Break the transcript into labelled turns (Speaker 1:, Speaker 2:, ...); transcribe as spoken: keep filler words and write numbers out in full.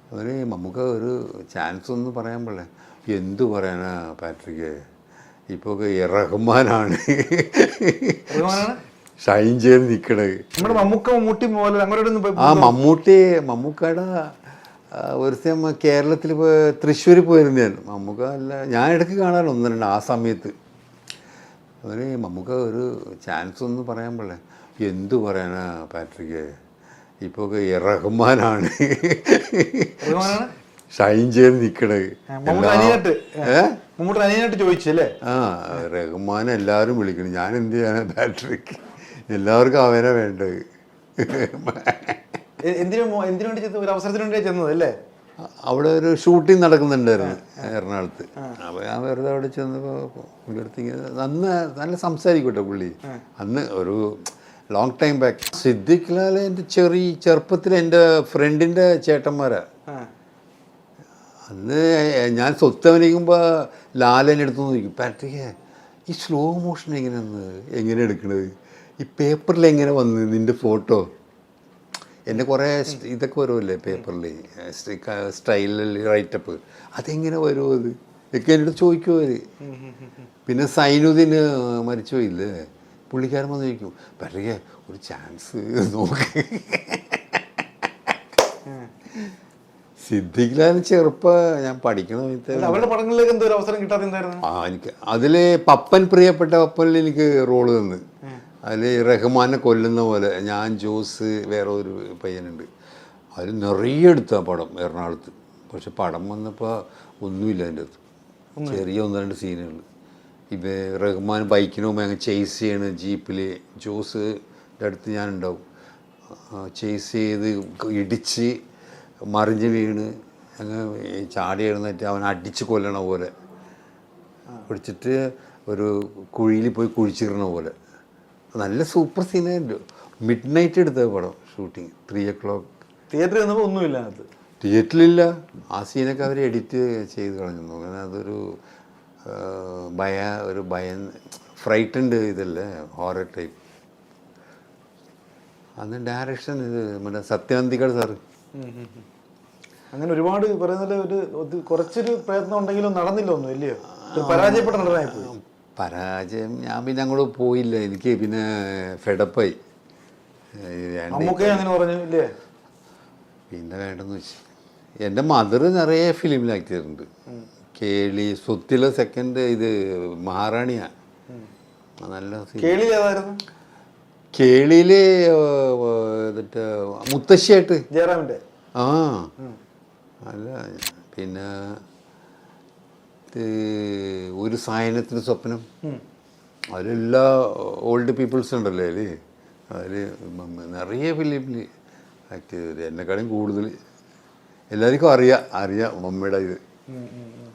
Speaker 1: അവന് നമുക്ക് ഒരു ചാൻസ് ഒന്നും പറയാൻ പാടില്ല. എന്തു പറയാനാ പാട്രിക്ക്, ഇപ്പോൾ റഹ്മാനാണ് ഷൈൻ ചെയ്ത് നിൽക്കണത്. ആ മമ്മൂട്ടി മമ്മൂക്കയുടെ ഒരു സമയം കേരളത്തിൽ തൃശ്ശൂർ പോയിരുന്നു ഞാൻ. മമ്മൂക്ക അല്ല, ഞാൻ ഇടയ്ക്ക് കാണാറുണ്ട് ഒന്ന് രണ്ട് ആ സമയത്ത്. അവന് നമുക്ക് ഒരു ചാൻസ് ഒന്നും പറയാൻ പാടില്ല. എന്തു പറയാനാ പാട്രിക്ക്, ഇപ്പോൾ റഹ്മാനാണ് ഷൈൻ ചെയ്ത് നിൽക്കണത്.
Speaker 2: ചോദിച്ചല്ലേ
Speaker 1: ആ റഹ്മാൻ എല്ലാവരും വിളിക്കണം. ഞാൻ എന്ത് ചെയ്യാനാ പാട്രിക്ക്, എല്ലാവർക്കും അവനെ വേണ്ടത്. അവിടെ ഒരു ഷൂട്ടിംഗ് നടക്കുന്നുണ്ടായിരുന്നു എറണാകുളത്ത്. അപ്പോൾ ഞാൻ വെറുതെ അവിടെ ചെന്നപ്പോൾ പുള്ളിയെടുത്ത് ഇങ്ങനെ അന്ന് നല്ല സംസാരിക്കട്ടെ പുള്ളി. അന്ന് ഒരു long time back. Siddique Lal എൻ്റെ ചെറിയ ചെറുപ്പത്തിൽ എൻ്റെ ഫ്രണ്ടിൻ്റെ ചേട്ടന്മാരാണ്. അന്ന് ഞാൻ സ്വത്ത് അഭിനയിക്കുമ്പോൾ ലാലനെ എടുത്തു നോക്കും, പാട്രിക്ക് ഈ സ്ലോ മോഷൻ എങ്ങനെയാണ് എങ്ങനെ എടുക്കണത്, ഈ പേപ്പറിൽ എങ്ങനെ വന്ന് നിൻ്റെ ഫോട്ടോ, എൻ്റെ കുറേ ഇതൊക്കെ വരുമല്ലേ പേപ്പറിൽ സ്റ്റൈലിൽ റൈറ്റപ്പ്, അതെങ്ങനെ വരുമോ അത് ഒക്കെ എൻ്റെ അടുത്ത് ചോദിക്കുമോ അവർ. പിന്നെ സൈനുദ്ദീന് മരിച്ചു പോയില്ലേ, പുള്ളിക്കാരൻ വന്ന് ചോദിക്കും, പാട്രിക്ക് ഒരു ചാൻസ് നോക്ക്. സിദ്ദിഖ് ലാൽ ചെറുപ്പം ഞാൻ പഠിക്കുന്ന
Speaker 2: അവരുടെ പടങ്ങളിലേക്ക് എന്തോ ഒരു അവസരം കിട്ടാതെന്തായിരുന്നു.
Speaker 1: ആ എനിക്ക് അതിൽ പപ്പൻ, പ്രിയപ്പെട്ട പപ്പനിൽ എനിക്ക് റോള് തന്ന്. അതിൽ റഹ്മാനെ കൊല്ലുന്ന പോലെ ഞാൻ, ജോസ്, വേറെ ഒരു പയ്യനുണ്ട്. അതിൽ നിറയെ എടുത്ത പടം എറണാകുളത്ത്. പക്ഷെ പടം വന്നപ്പോൾ ഒന്നുമില്ല അതിൻ്റെ അകത്ത്, ചെറിയ ഒന്ന് രണ്ട് സീനുകൾ. ഇപ്പം റഹ്മാൻ ബൈക്കിന് പോകുമ്പോൾ അങ്ങ് ചേസ് ചെയ്യണ ജീപ്പിൽ ജോസിൻ്റെ അടുത്ത് ഞാനുണ്ടാവും. ചേസ് ചെയ്ത് ഇടിച്ച് മറിഞ്ഞ് വീണ് അങ്ങ് ചാടി എഴുന്നേറ്റ് അവൻ അടിച്ച് കൊല്ലണ പോലെ, പിടിച്ചിട്ട് ഒരു കുഴിയിൽ പോയി കുഴിച്ചിടണ പോലെ. നല്ല സൂപ്പർ സീനായിരുന്നു. മിഡ് നൈറ്റ് എടുത്ത പടം ഷൂട്ടിങ്, ത്രീ ഒ ക്ലോക്ക്.
Speaker 2: തിയേറ്ററിൽ നിന്നപ്പോൾ ഒന്നുമില്ല അത്,
Speaker 1: തിയേറ്ററിലില്ല. ആ സീനൊക്കെ അവർ എഡിറ്റ് ചെയ്ത് കളഞ്ഞു. അങ്ങനെ അതൊരു ഭയ ഒരു ഭയം ഫ്രൈറ്റൻഡ് ഇതല്ലേ, ഹോറർ ടൈപ്പ്. അന്ന് ഡയറക്ഷൻ ഇത് മറ്റേ സത്യനന്ദിക്കട് സാറ്.
Speaker 2: അങ്ങനെ ഒരുപാട് പറയുന്നത് ഒരു കുറച്ചൊരു പ്രയത്നം ഉണ്ടെങ്കിലും നടന്നില്ല ഒന്നും ഇല്ലയോ, പരാജയപ്പെട്ട നടനായിപ്പോയി.
Speaker 1: പരാജയം ഞാൻ പിന്നെ അങ്ങോട്ട് പോയില്ല, എനിക്ക് പിന്നെ ഫെഡപ്പായി.
Speaker 2: അങ്ങനെ പറഞ്ഞു ഇല്ലേ,
Speaker 1: പിന്നെ വേണ്ടെന്ന് വെച്ചു. എൻ്റെ മദർ നിറയെ ഫിലിമിൽ ആക്ട് ചെയ്തിട്ടുണ്ട്. കേളി, സ്വത്തിലെ സെക്കൻഡ് ഇത് മഹാറാണിയാണ്. നല്ല
Speaker 2: കേളി ഏതായിരുന്നു?
Speaker 1: കേളിയിൽ എന്നിട്ട് മുത്തശ്ശിയായിട്ട്
Speaker 2: ജയറാമിൻ്റെ.
Speaker 1: ആ അല്ല, പിന്നെ ഒരു സായനത്തിന് സ്വപ്നം, അതിലെല്ലാ ഓൾഡ് പീപ്പിൾസ് ഉണ്ടല്ലോ അതിൽ. അതിൽ നിറയെ ഫിലിമിൽ ആക്ട് ചെയ്തത്. എന്നെക്കാളും കൂടുതൽ എല്ലാവർക്കും അറിയാം അറിയാം മമ്മിയുടെ ഇത്.